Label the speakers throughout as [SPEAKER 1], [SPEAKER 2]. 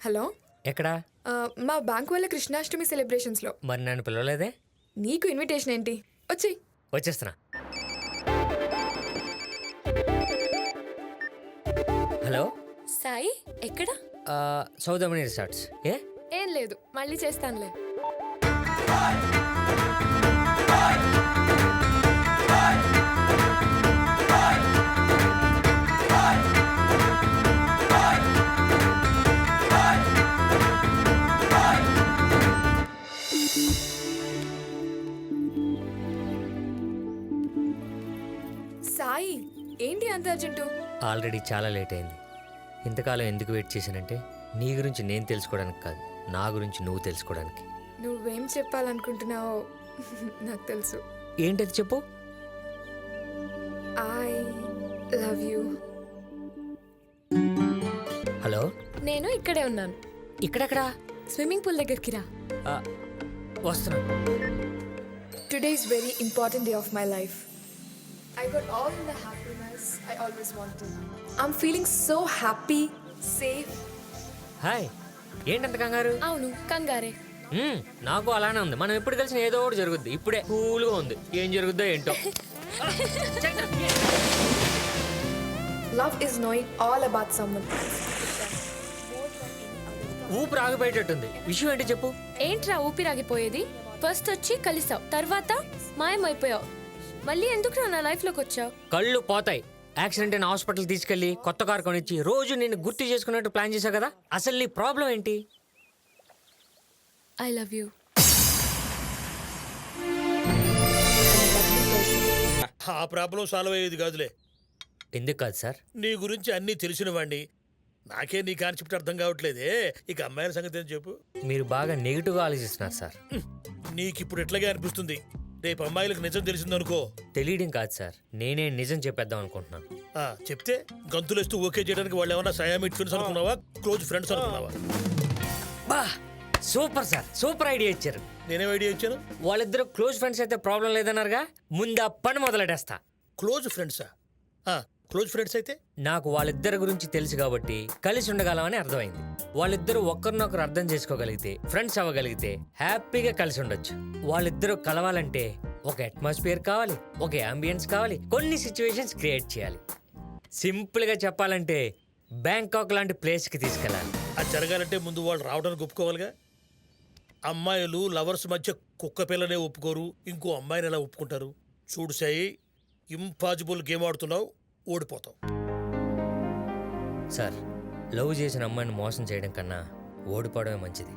[SPEAKER 1] Hello,
[SPEAKER 2] ఎక్కడా?
[SPEAKER 1] మా bank వాళ్ళ కృష్ణాష్టమి సెలబ్రేషన్స్లో.
[SPEAKER 2] మరి నన్ను పిలవలేదే?
[SPEAKER 1] నీకు ఇన్విటేషన్ ఏంటి? వచ్చి
[SPEAKER 2] వచ్చేస్తున్నా. హలో
[SPEAKER 1] సాయి, ఎక్కడ?
[SPEAKER 2] సౌదమణి రిసార్ట్స్.
[SPEAKER 1] ఏం లేదు, మళ్ళీ చేస్తానులే. సాయి, ఏంటి అంత అర్జెంటు?
[SPEAKER 2] ఆల్రెడీ చాలా లేట్ అయింది. ఇంతకాలం ఎందుకు వెయిట్ చేశానంటే నీ గురించి నేను తెలుసుకోవడానికి కాదు, నా గురించి నువ్వు తెలుసుకోవడానికి.
[SPEAKER 1] నువ్వేం చెప్పాలనుకుంటున్నావో నాకు తెలుసు.
[SPEAKER 2] ఏంటది చెప్పు.
[SPEAKER 1] I love you.
[SPEAKER 2] హలో,
[SPEAKER 1] నేను ఇక్కడే ఉన్నాను.
[SPEAKER 2] ఇక్కడెక్కడా?
[SPEAKER 1] స్విమ్మింగ్ పూల్ దగ్గరికి రా.
[SPEAKER 2] వస్తున్నా.
[SPEAKER 1] Today is very important day of my life. I got all the happiness I always wanted. I'm feeling so happy, safe.
[SPEAKER 2] Hi, ఏంటంత కంగారు?
[SPEAKER 1] అవును, కంగారే.
[SPEAKER 2] నాకు అలానే ఉంది. మనం ఎప్పుడు కలిసిన ఏదో ఒకటి జరుగుద్ది. ఇప్పుడే కూల్గా ఉంది. ఏం జరుగుద్దో ఏంటో.
[SPEAKER 1] Love is knowing all about someone.
[SPEAKER 2] ఊపిరి ఆగిపోయేటట్టుంది. విషయం ఏంటి చెప్పు.
[SPEAKER 3] ఏంట్రా ఊపిరాగిపోయేది? ఫస్ట్ వచ్చి కలిసావు, తర్వాత మాయమైపోయావు. మళ్ళీ ఎందుకు నా లైఫ్ లోకి వచ్చావు?
[SPEAKER 2] కళ్ళు పోతాయి. యాక్సిడెంట్ అయిన హాస్పిటల్ తీసుకెళ్లి కొత్త కారు కొనిచ్చి రోజు నేను గుర్తు చేసుకున్నట్టు ప్లాన్ చేశావు కదా. అసలు నీ ప్రాబ్లం ఏంటి?
[SPEAKER 3] I love you.
[SPEAKER 4] ఆ ప్రాబ్లం సాల్వ్ అయ్యేది కాదులే.
[SPEAKER 2] ఎందుకు కాదు సార్?
[SPEAKER 4] నీ గురించి అన్నీ తెలిసిన వాడిని. నాకే నీ కాన్సెప్ట్ అర్థం కావట్లేదే. ఇక అమ్మాయిల సంగతి ఏం చెప్పు.
[SPEAKER 2] మీరు బాగా నెగిటివ్గా ఆలోచిస్తున్నారు సార్.
[SPEAKER 4] నీకు ఇప్పుడు ఎట్లాగే అనిపిస్తుంది. రేపు అమ్మాయిలకు నిజం తెలిసిందనుకో.
[SPEAKER 2] తెలియడం కాదు సార్, నేనే నిజం చెప్పేద్దాం అనుకుంటున్నాను.
[SPEAKER 4] చెప్తే గంతులేస్తూ ఓకే చేయడానికి వాళ్ళు ఏమన్నా సయామిట్ ఫ్రెండ్స్ అనుకున్నావా, క్లోజ్ ఫ్రెండ్స్ అనుకున్నావా?
[SPEAKER 2] బా, సూపర్ సార్, సూపర్ ఐడియా ఇచ్చారు.
[SPEAKER 4] నేనేం ఐడియా ఇచ్చాను?
[SPEAKER 2] వాళ్ళిద్దరు క్లోజ్ ఫ్రెండ్స్ అయితే ప్రాబ్లం లేదన్నారుగా, ముందు ఆ పని మొదలెట్టేస్తా.
[SPEAKER 4] క్లోజ్ ఫ్రెండ్సా? క్లోజ్ ఫ్రెండ్స్ అయితే
[SPEAKER 2] నాకు వాళ్ళిద్దరి గురించి తెలుసు కాబట్టి కలిసి ఉండగలమని అర్థమైంది. వాళ్ళిద్దరూ ఒక్కరినొకరు అర్థం చేసుకోగలిగితే, ఫ్రెండ్స్ అవ్వగలిగితే హ్యాపీగా కలిసి ఉండొచ్చు. వాళ్ళిద్దరూ కలవాలంటే ఒక అట్మాస్ఫియర్ కావాలి, ఒక అంబియన్స్ కావాలి, కొన్ని సిచ్యువేషన్స్ క్రియేట్ చేయాలి. సింపుల్ గా చెప్పాలంటే బ్యాంకాక్ లాంటి ప్లేస్ కి తీసుకెళ్ళాలి.
[SPEAKER 4] అది జరగాలంటే ముందు వాళ్ళు రావడానికి ఒప్పుకోవాలిగా. అమ్మాయిలు లవర్స్ మధ్య కుక్క పిల్లనే ఒప్పుకోరు, ఇంకో అమ్మాయిని ఎలా ఒప్పుకుంటారు? చూడు సాయి, ఇంపాసిబుల్ గేమ్ ఆడుతున్నావు, ఓడిపోతావు.
[SPEAKER 2] సార్, లవ్ చేసిన అమ్మాయిని మోసం చేయడం కన్నా ఓడిపోవడమే మంచిది.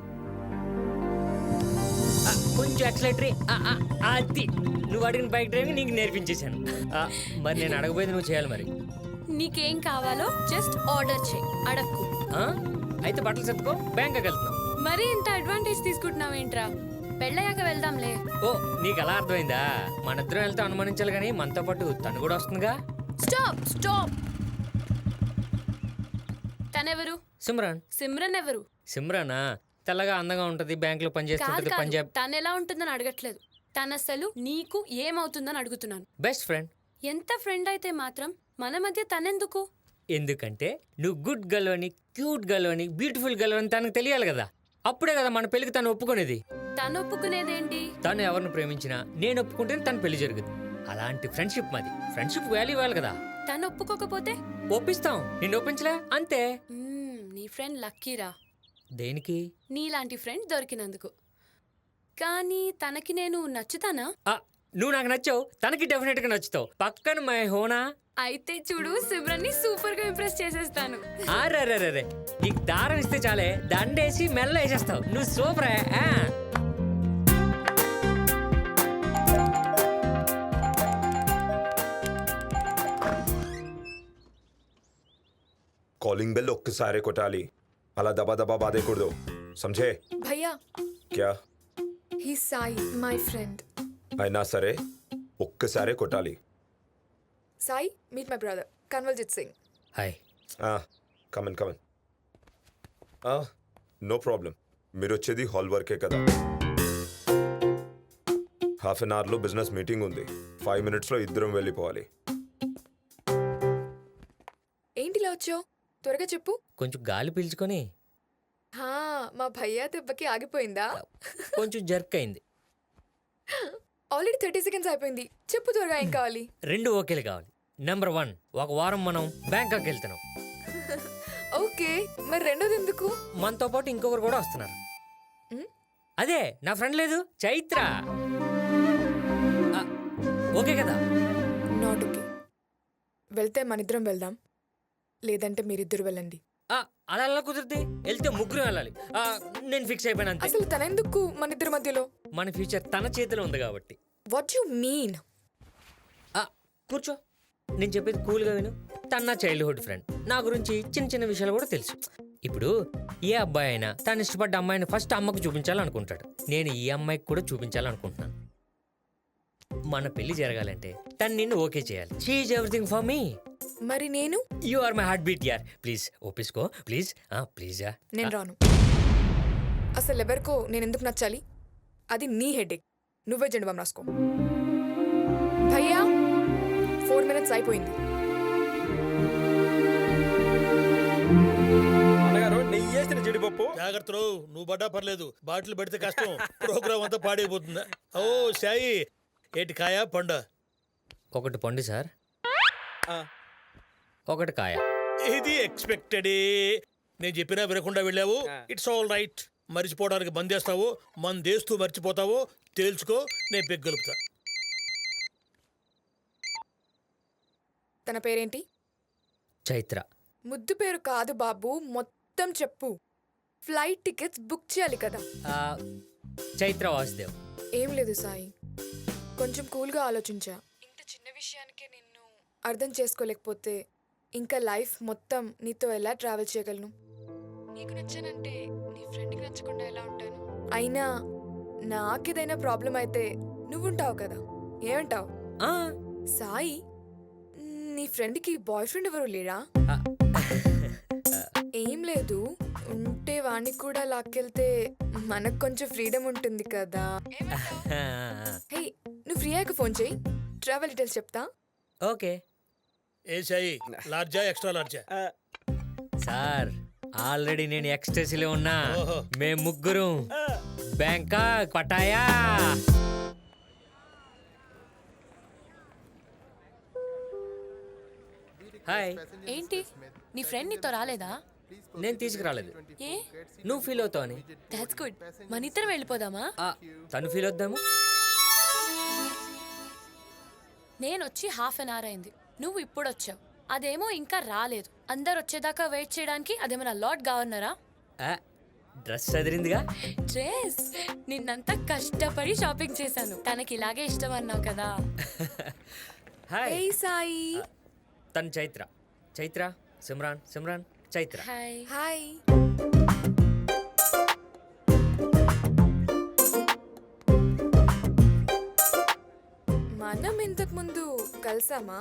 [SPEAKER 2] కొంచెం యాక్సిలేటరీ. అది నువ్వు అడిగిన బైక్ డ్రైవింగ్ నీకు నేర్పించేశాను. మరి నేను అడగబోయేది నువ్వు చేయాలి. మరి
[SPEAKER 3] నీకేం కావాలో జస్ట్ ఆర్డర్ చేయి, అడక్కు.
[SPEAKER 2] అయితే బట్టలు సర్దుకో, బ్యాంకాక్ వెళ్తున్నాం.
[SPEAKER 3] మరి ఇంత అడ్వాంటేజ్ తీసుకుంటున్నావేంట్రా? పెళ్ళయ్యాక వెళ్దాంలే.
[SPEAKER 2] ఓ, నీకు అలా అర్థమైందా? మనిద్దరం వెళ్తే అనుమానించాలి కానీ మనతో పాటు తను కూడా వస్తుందిగా.
[SPEAKER 3] Stop stop. తనెవరు?
[SPEAKER 2] సిమ్రాన్.
[SPEAKER 3] సిమ్రన్ ఎవరు?
[SPEAKER 2] సిమ్రానా? తెల్లగా అందంగా ఉంటది, బ్యాంక్ లో పనిచేస్తుంటది, పంజాబ్.
[SPEAKER 3] తను ఎలా ఉంటుందని అడగట్లేదు, తన అసలు నీకు ఏమవుతుందని అడుగుతున్నాను.
[SPEAKER 2] Best friend.
[SPEAKER 3] ఎంత ఫ్రెండ్ అయితే మాత్రం మన మధ్య తనెందుకు?
[SPEAKER 2] ఎందుకంటే నువ్వు గుడ్ గర్ల్ అని, క్యూట్ గర్ల్ అని, బ్యూటిఫుల్ గర్ల్ అని తనకు తెలియాలి కదా. అప్పుడే కదా మన పెళ్లికి తను ఒప్పుకునేది.
[SPEAKER 3] తను ఒప్పుకునేదేంటి?
[SPEAKER 2] తను ఎవరిని ప్రేమించినా నేను ఒప్పుకుంటే తన పెళ్లి జరుగుతుంది. అలాంటి ఫ్రెండ్షిప్ మాది. ఫ్రెండ్షిప్ వాల్యూ ఇవ్వాలి కదా.
[SPEAKER 3] తను ఒప్పుకోకపోతే
[SPEAKER 2] ఒప్పిస్తాం. నిన్ను ఒప్పించలే అంతే.
[SPEAKER 3] నీ ఫ్రెండ్ లక్కీరా.
[SPEAKER 2] దేనికి?
[SPEAKER 3] నీలాంటి ఫ్రెండ్ దొరికినందుకు. కానీ తనకి నేను నచ్చుతానా?
[SPEAKER 2] నువ్వు నాకు నచ్చావు, తనకి డెఫినెట్ గా నచ్చుతావు. పక్కన మై హోనా.
[SPEAKER 3] అయితే చూడు, సిమ్రన్ ని సూపర్ గా ఇంప్రెస్ చేసేస్తాను.
[SPEAKER 2] అరే, నీకు దారం ఇస్తే చాలే, దండేసి మెల్ల వేసేస్తావు. నువ్వు సూపర్.
[SPEAKER 5] కాలింగ్ బెల్ ఒక్కసారి కొట్టాలి, అలా దబా దబా బాధేకూడదు. సమझे?
[SPEAKER 1] భయ్యా,
[SPEAKER 5] క్యా?
[SPEAKER 1] He Sai, my friend.
[SPEAKER 5] అయినా సరే ఒక్కసారే కొట్టాలి.
[SPEAKER 1] Sai, meet my brother Kanwaljit Singh.
[SPEAKER 2] Hi.
[SPEAKER 5] Come on. No problem. మీరు వచ్చేది హాల్ వర్కే కదా. హాఫ్ అన్ అవర్లో బిజినెస్ మీటింగ్ ఉంది. 5 minutesలో ఇద్దరం వెళ్ళిపోవాలి.
[SPEAKER 1] ఏంటిలా వచ్చావు? త్వరగా చెప్పు.
[SPEAKER 2] కొంచెం గాలి పీల్చుకొని.
[SPEAKER 1] మా భయ్యా దెబ్బకి ఆగిపోయిందా?
[SPEAKER 2] కొంచెం జర్క్ అయింది.
[SPEAKER 1] ఆల్రెడీ 30 seconds అయిపోయింది. చెప్పు త్వరగా ఏం కావాలి?
[SPEAKER 2] 2 ఓకేలు కావాలి. నెంబర్ 1, ఒక వారం మనం బ్యాంకాక్ వెళ్తున్నాం.
[SPEAKER 1] ఓకే, మరి రెండోది ఎందుకు?
[SPEAKER 2] మనతో పాటు ఇంకొకరు కూడా వస్తున్నారు. అదే నా ఫ్రెండ్ లేదు, చైత్ర. ఆ, ఓకే కదా?
[SPEAKER 1] Not okay. వెళ్తే మనిద్దరం వెళ్దాం, లేదంటే మీరిద్దరు వెళ్ళండి.
[SPEAKER 2] అలా ఎలా కుదిరితే? వెళ్తే ముగ్గురు వెళ్ళాలి. నేను ఫిక్స్ అయిపోయాను అంతే.
[SPEAKER 1] అసలు తనెందుకు మనిద్దరి మధ్యలో?
[SPEAKER 2] మన ఫ్యూచర్ తన చేతిలో ఉంది కాబట్టి.
[SPEAKER 1] What you mean?
[SPEAKER 2] కూర్చో, నేను చెప్పేది కూల్గా విను. తన నా చైల్డ్హుడ్ ఫ్రెండ్. నా గురించి చిన్న చిన్న విషయాలు కూడా తెలుసు. ఇప్పుడు ఏ అబ్బాయి అయినా తను ఇష్టపడ్డ అమ్మాయిని ఫస్ట్ అమ్మకు చూపించాలనుకుంటాడు. నేను ఈ అమ్మాయికి కూడా చూపించాలనుకుంటున్నాను. మన పెళ్లి జరగాలంటే తను నిన్ను ఓకే చేయాలి. She is everything for me.
[SPEAKER 1] మరి నేను?
[SPEAKER 2] You are my heartbeat యార్. ప్లీజ్ ఒప్పించుకో, ప్లీజ్ ప్లీజ్.
[SPEAKER 1] నేను రాను. అసలు ఎవరికో నేను ఎందుకు నచ్చాలి? అది నీ హెడేక్. నువ్వే జెండు బామ్ రాసుకో. భయ్యా 4 minutes అయిపోయింది.
[SPEAKER 5] అన్నగారు నెయ్యి వేసిన జీడిపప్పు.
[SPEAKER 4] జాగ్రత్తలు, నువ్వు పడ్డా పర్లేదు, బాటిల్ పెడితే కష్టం. ప్రోగ్రామ్ అంతా పాడైపోతుందా? ఓ సాయి, ఏటి కాయ పండ?
[SPEAKER 2] ఒకటి పండు సార్, ఒకటి కాయ.
[SPEAKER 4] ఇది ఎక్స్పెక్టెడే. నేను చెప్పినా వినకుండా వెళ్ళావు. It's all right. మర్చిపోవడానికి మందేస్తావు, మందేస్తూ మర్చిపోతావు. తేల్చుకో, నేను పెగ్గలుపుతా.
[SPEAKER 1] తన పేరేంటి?
[SPEAKER 2] చైత్ర.
[SPEAKER 1] ముద్దు పేరు కాదు బాబు, మొత్తం చెప్పు. ఫ్లైట్ టికెట్స్ బుక్ చేయాలి కదా.
[SPEAKER 2] చైత్ర వాసుదేవ్.
[SPEAKER 1] ఏం లేదు సాయి, కొంచెం కూల్గా ఆలోచించా. ఇంత చిన్న విషయానికే నిన్ను అర్థం చేసుకోలేకపోతే ఇంకా లైఫ్ మొత్తం నీతో ఎలా ట్రావెల్ చేయగలను? నీకు నచ్చానంటే నీ ఫ్రెండ్కి నచ్చకుండా ఎలా ఉంటాను? అయినా నాకేదైనా ప్రాబ్లం అయితే నువ్వుంటావు కదా, ఏమంటావు? సాయి, నీ ఫ్రెండ్కి బాయ్ ఫ్రెండ్ ఎవరు లేరా? ఏం లేదు, ఉంటే వాణ్ణి కూడా లాక్కెళ్తే మనకు కొంచెం ఫ్రీడమ్ ఉంటుంది కదా. హే, నువ్వు ఫ్రీ అయ్యాక ఫోన్ చేయి, ట్రావెల్ డీటెయిల్స్ చెప్తా.
[SPEAKER 2] ఓకే
[SPEAKER 4] ఏ సాయి, లార్జా ఎక్స్ట్రా లార్జా?
[SPEAKER 2] సార్, ఆల్రెడీ నేను ఎక్స్ట్రెస్లో ఉన్నా.
[SPEAKER 4] ఓహో.
[SPEAKER 2] మేము ముగ్గురు బ్యాంకాక్ పటాయా. హాయ్.
[SPEAKER 3] ఏంటి, నీ ఫ్రెండ్ నీతో రాలేదా?
[SPEAKER 2] నేను తీసుకురాలేదు,
[SPEAKER 3] ఏ?
[SPEAKER 2] నువ్వు ఫీల్ అవుతావు అని.
[SPEAKER 3] That's good. మన ఇద్దరం వెళ్ళిపోదామా?
[SPEAKER 2] తను ఫీల్ అవుద్దాము.
[SPEAKER 3] నేను వచ్చి 1/2 hour అయింది, నువ్వు ఇప్పుడు వచ్చావు. అదేమో ఇంకా రాలేదు. అందరు వచ్చేదాకా వెయిట్ చేయడానికి అదేమన్నా లార్డ్ గవర్నరా?
[SPEAKER 2] డ్రెస్ చదిరిందిగా.
[SPEAKER 3] డ్రెస్ నిన్నంతా కష్టపడి షాపింగ్ చేశాను. తనకి ఇలాగే ఇష్టం అన్నావు కదా.
[SPEAKER 2] హాయ్.
[SPEAKER 1] ఏ సాయి.
[SPEAKER 2] తను చైత్ర. చైత్ర, సిమ్రాన్, సిమ్రాన్, చైత్ర.
[SPEAKER 3] హాయ్.
[SPEAKER 1] హాయ్. మనం ఇంతకు ముందు కలిసామా?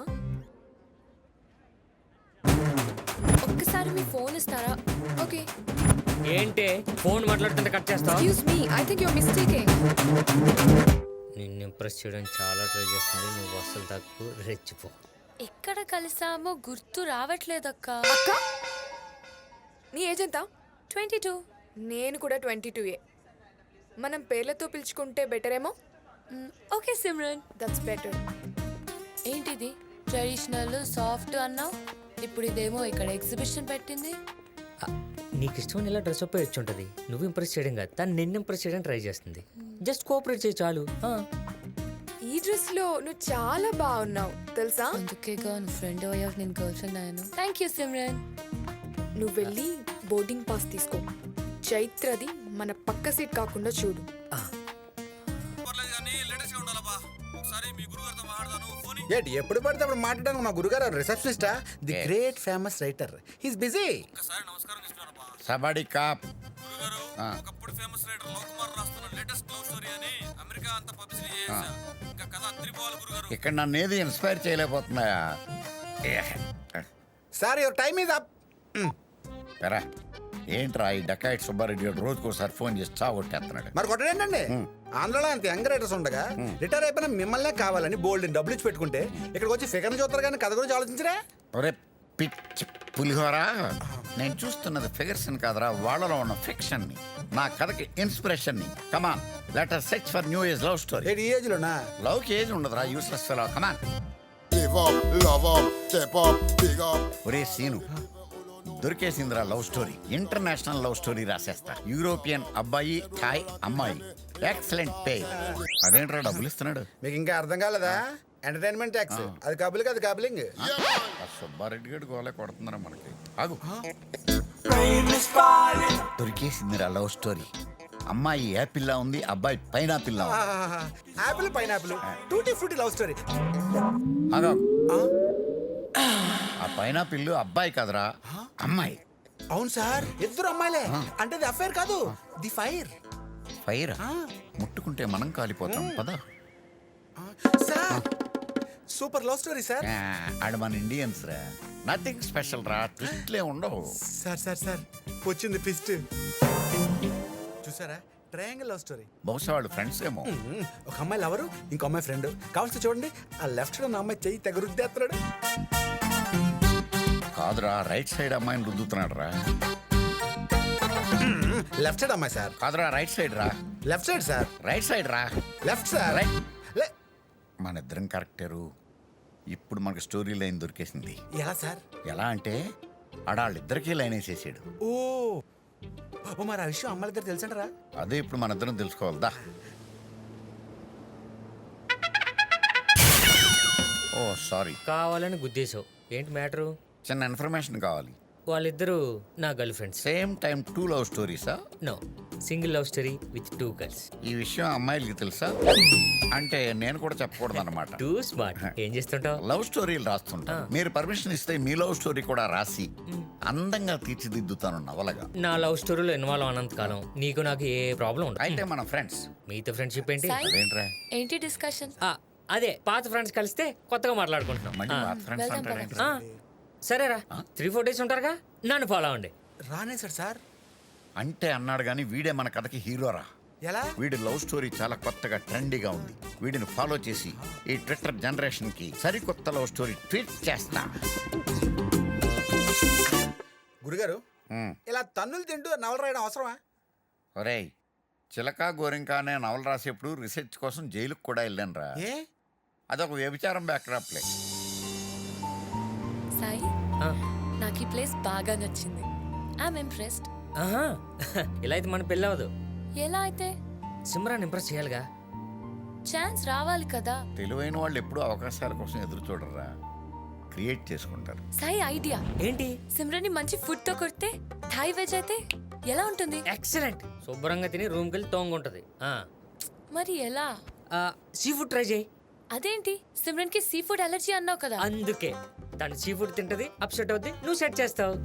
[SPEAKER 3] ఒక్కసారి మీ ఫోన్ ఇస్తారా?
[SPEAKER 1] ఓకే.
[SPEAKER 2] ఏంటే ఫోన్ మాట్లాడుతుంటే కట్ చేస్తావు?
[SPEAKER 1] Excuse me, I think you are mistaking.
[SPEAKER 2] నిన్ను ఇంప్రెస్ చేయడం చాలా ట్రై చేస్తుంది. నువ్వు అసలు తక్కువ రెచ్చిపో.
[SPEAKER 3] ఎక్కడ కలిసామో గుర్తు రావట్లేదక్క.
[SPEAKER 1] అక్క, నీ ఏజ్ ఎంత?
[SPEAKER 3] 22.
[SPEAKER 1] నేను కూడా 22. మనం పేర్లతో పిలుచుకుంటే బెటర్ ఏమో.
[SPEAKER 3] ఓకే సిమ్రన్.
[SPEAKER 1] That's better.
[SPEAKER 3] ఏంటిది ట్రెడిషనల్ సాఫ్ట్ అన్నావు, ఇప్పుడు ఇదేమో ఇక్కడ ఎగ్జిబిషన్ పెట్టింది.
[SPEAKER 2] నీకు ఇష్టం ఇలా డ్రెస్ అప్ వచ్చి ఉంటుంది. నువ్వు ఇంప్రెస్ చేయడం కాదు, తను నిన్ను ఇంప్రెస్ చేయడం ట్రై చేస్తుంది. జస్ట్ కోఆపరేట్ చేయి చాలు.
[SPEAKER 1] ఈ డ్రెస్ లో నువ్వు చాలా బాగున్నావు తెలుసా.
[SPEAKER 3] అందుకేగా నువ్వు ఫ్రెండ్ అయ్యావు, నేను గర్ల్ ఫ్రెండ్ అయ్యాను. Thank you Simran.
[SPEAKER 1] నువ్వు వెళ్ళి బోర్డింగ్ పాస్ తీసుకో. చైత్రది మన పక్క సీట్ కాకుండా చూడు.
[SPEAKER 6] ఏంటి ఎప్పుడు పడితే అప్పుడు మాట్లాడడానికి మా గురుగారు రిసెప్షనిస్టా? The great famous writer. He's busy.
[SPEAKER 7] సబాడి కాప్.
[SPEAKER 8] ఒకప్పుడు ఫేమస్ రైటర్ లోకమార్ రాస్తున్న లేటెస్ట్ లవ్ స్టోరీ అని అమెరికా అంతా పబ్లిసిటీ చేశా. ఇంకా కథ అదిరిపోవాలి గురుగారు.
[SPEAKER 7] ఇక్కడ నన్ను ఏది ఇన్స్పైర్ చేయలేకపోతున్నాయా?
[SPEAKER 6] Sir your time is up.
[SPEAKER 7] ఎరా ఏంట్రా ఈ డకాయిట్ సుబ్బారెడ్డి గారు రోజుకోసారి ఫోన్ చేసి చావొట్టేస్తున్నాడు.
[SPEAKER 6] మరి కొట్టడేంటండి, ఆంధ్రలో అంత యంగ్ రైటర్స్ ఉండగా రిటైర్ అయిపోయిన మిమ్మల్నే కావాలని బోల్డ్ డబ్బులు ఇచ్చి పెట్టుకుంటే ఇక్కడికి వచ్చి ఫిగర్ చూస్తారు కానీ కథ గురించి ఆలోచించరా?
[SPEAKER 7] ఒరే పిచ్చి పులిహోరా, నేను చూస్తున్నది ఫిగర్స్ కాదరా, వాళ్ళలో ఉన్న ఫిక్షన్ ని, నా కథకి ఇన్స్పిరేషన్ ని. Come on let us search for new age love story.
[SPEAKER 6] ఏంటి ఈ ఏజ్ లోనా?
[SPEAKER 7] లవ్ కి ఏజ్ ఉండదురా, useless fellow. Come on.
[SPEAKER 9] Give up, love up, step up, big up.
[SPEAKER 7] ఒరే సీను, దొరికేసిందిరా love story. International love story రాసేస్తా. యూరోపియన్ అబ్బాయి, థాయ్ అమ్మాయి, ఎక్సలెంట్ పే. అదేంట్రా డబ్బులు ఇస్తున్నాడు?
[SPEAKER 6] మీకు ఇంకా అర్థం కాలేదా? Entertainment tax. అది కబులింగ్, అది కబులింగ్.
[SPEAKER 7] ఆ సుబ్బారెడ్డి గడి గోలే కొడుతున్నారా మనకి. ఆగు. దొరికేసిందిరా లవ్ స్టోరీ. అమ్మాయి యాపిల్ లా ఉంది, అబ్బాయి పైనాపిల్ లా ఉంది.
[SPEAKER 6] Apple pineapple, tutti frutti love story.
[SPEAKER 7] ఆగు. ఆ పైనాపిల్ అబ్బాయి కాదురా, అమ్మాయి.
[SPEAKER 6] అవును సార్, ఇద్దరు అమ్మాయిలే. అంటే ది అఫైర్ కాదు, ది ఫైర్.
[SPEAKER 7] ఫైర్ ముట్టుకుంటే మనం కాలిపోతాం పద.
[SPEAKER 6] Sir super love story sir.
[SPEAKER 7] ఆడ మన ఇండియన్స్ రా, నథింగ్ స్పెషల్ రా, ట్విస్ట్లే ఉండవు.
[SPEAKER 6] సార్ సార్ సార్ వచ్చింది ట్విస్ట్. చూసారా, ట్రయాంగిల్ లవ్ స్టోరీ.
[SPEAKER 7] బహుశా వాళ్ళు ఫ్రెండ్స్ ఏమో.
[SPEAKER 6] ఒక అమ్మాయి లవరు, ఇంకో అమ్మాయి ఫ్రెండ్. కావాల్సి చూడండి, ఆ లెఫ్ట్ సైడ్ ఉన్న అమ్మాయి చెయ్యి తెగ రుద్దేస్తున్నాడు.
[SPEAKER 7] కాదురా, రైట్ సైడ్ అమ్మాయిని రుద్దుతున్నాడు రా.
[SPEAKER 6] లెఫ్ట్ సైడ్ అమ్మాయి సార్.
[SPEAKER 7] కాదురా, రైట్ సైడ్ రా.
[SPEAKER 6] Left side sir.
[SPEAKER 7] Right side రా.
[SPEAKER 6] Left sir.
[SPEAKER 7] రైట్. మన ఇద్దరం కరెక్టరు. ఇప్పుడు మనకు స్టోరీ లైన్ దొరికేసింది.
[SPEAKER 6] ఎలా సార్?
[SPEAKER 7] ఎలా అంటే ఆడాళ్ళిద్దరికీ లైన్ వేసేసాడు.
[SPEAKER 6] ఓ ఓ, మరి ఆ విషయం అమ్మాయి దగ్గర తెలుసంటారా?
[SPEAKER 7] అదే ఇప్పుడు మన ఇద్దరం తెలుసుకోవాలదా. ఓ సారీ,
[SPEAKER 2] కావాలని గుద్దేశావు. ఏంటి మ్యాటరు?
[SPEAKER 7] చిన్న ఇన్ఫర్మేషన్ కావాలి.
[SPEAKER 2] వాళ్ళిద్దరూ నా girlfriends.
[SPEAKER 7] Same time 2 love స్టోరీసా?
[SPEAKER 2] No, single love story with 2 girls.
[SPEAKER 7] ఈ విషయం అమ్మాయిలకి తెలుసా? అంటే నేను కూడా చెప్పకూడదు అనమాట.
[SPEAKER 2] Too smart. ఏం చేస్తుంటావు?
[SPEAKER 7] లవ్ స్టోరీలు రాస్తుంటా. మీరు పర్మిషన్ ఇస్తే మీ లవ్ స్టోరీ కూడా రాసి అందంగా తీర్చిదిద్దుతాను నవలగా.
[SPEAKER 2] నా లవ్ స్టోరీలో ఇన్వాల్వ్ అన్నంత కాలం నీకు నాకు ఏ ప్రాబ్లం ఉండదు.
[SPEAKER 7] అయితే మన ఫ్రెండ్స్.
[SPEAKER 2] మీతో ఫ్రెండ్షిప్ ఏంటి?
[SPEAKER 3] సాయి?
[SPEAKER 7] అదేంట్రా
[SPEAKER 3] ఏంటి డిస్కషన్?
[SPEAKER 2] అదే పాత ఫ్రెండ్స్ కలిస్తే కొత్తగా మాట్లాడుకుంటున్నాం.
[SPEAKER 7] మళ్ళీ
[SPEAKER 2] ఆ.
[SPEAKER 7] మా ఫ్రెండ్స్
[SPEAKER 3] వెళ్దాం
[SPEAKER 7] అంటారేంటి?
[SPEAKER 2] ఆ, సరేరా, 3-4 డేస్ ఉంటారుగా, నన్ను ఫాలో అవ్వండి.
[SPEAKER 6] రానే సార్. సార్
[SPEAKER 7] అంటే అన్నాడు కానీ వీడే మన కథకి హీరోరా.
[SPEAKER 6] ఎలా?
[SPEAKER 7] వీడి లవ్ స్టోరీ చాలా కొత్తగా ట్రెండీగా ఉంది. వీడిని ఫాలో చేసి ఈ ట్విట్టర్ జనరేషన్ కి సరికొత్త లవ్ స్టోరీ ట్వీట్ చేస్తా.
[SPEAKER 6] గురుగారు, ఇలా తన్నులు తింటూ నవల రాయడం అవసరమా?
[SPEAKER 7] ఒరేయ్, చిలక గోరింక అనే నవల రాసేప్పుడు రీసెర్చ్ కోసం జైలుకు కూడా వెళ్ళాను రా.
[SPEAKER 6] ఏ?
[SPEAKER 7] అదొక వ్యభిచారం బ్యాక్డ్రాప్లే.
[SPEAKER 3] సాయి,
[SPEAKER 2] ఆ,
[SPEAKER 3] నాకు ఈ ప్లేస్ బాగా నచ్చింది. I'm impressed.
[SPEAKER 2] ఆహా, ఇలా అయితే మన పెళ్ళి అవ్వదు.
[SPEAKER 3] ఎలా అయితే?
[SPEAKER 2] సిమ్రాన్ ఇంప్రెస్ చేయాలిగా.
[SPEAKER 3] ఛాన్స్ రావాలి కదా.
[SPEAKER 7] తెలివైన వాళ్ళు ఎప్పుడూ అవకాశాల కోసం ఎదురు చూడరా, క్రియేట్ చేసుకుంటారు.
[SPEAKER 3] సాయి ఐడియా
[SPEAKER 2] ఏంటి?
[SPEAKER 3] సిమ్రన్ మంచి ఫుడ్ తో కొడితే థాయ్ వెజ్ అయితే ఎలా ఉంటుంది?
[SPEAKER 2] ఎక్సలెంట్. శుభ్రంగా తిని రూమ్కి వెళ్ళి తోంగుంటది.
[SPEAKER 3] మరి ఎలా?
[SPEAKER 2] సీ ఫుడ్ ట్రై చేయి.
[SPEAKER 3] అదేంటి, సిమ్రన్ కి సీ ఫుడ్ అలర్జీ అన్నావు కదా.
[SPEAKER 2] అందుకే తను సీ ఫుడ్ తింటది, అప్సెట్ అవుద్ది, నువ్వు సెట్ చేస్తావు.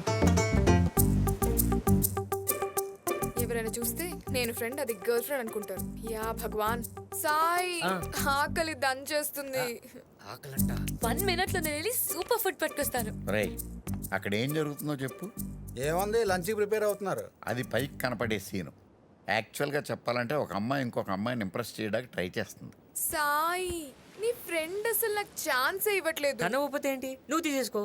[SPEAKER 1] ఎవరైనా చూస్తే నేను ఫ్రెండ్, అది గర్ల్ ఫ్రెండ్ అనుకుంటారు. యా భగవాన్. సాయి, ఆకలి దంచేస్తుంది.
[SPEAKER 2] ఆకలంట.
[SPEAKER 3] 1 minute లో నేను వెళ్ళి సూపర్ ఫుడ్ పట్టుకొస్తాను.
[SPEAKER 7] రేయ్, అక్కడ ఏం జరుగుతుందో చెప్పు.
[SPEAKER 6] ఏముంది, లంచ్కి ప్రిపేర్ అవుతున్నారు.
[SPEAKER 7] అది పైకి కనపడే సీను. యాక్చువల్గా చెప్పాలంటే ఒక అమ్మాయి ఇంకొక అమ్మాయిని ఇంప్రెస్ చేయడానికి ట్రై చేస్తుంది.
[SPEAKER 1] సాయి, నీ ఫ్రెండ్ అసలు నాకు ఛాన్స్ ఇవ్వట్లేదు.
[SPEAKER 2] తన ఊపితే ఏంటి, నువ్వు తీసేసుకో.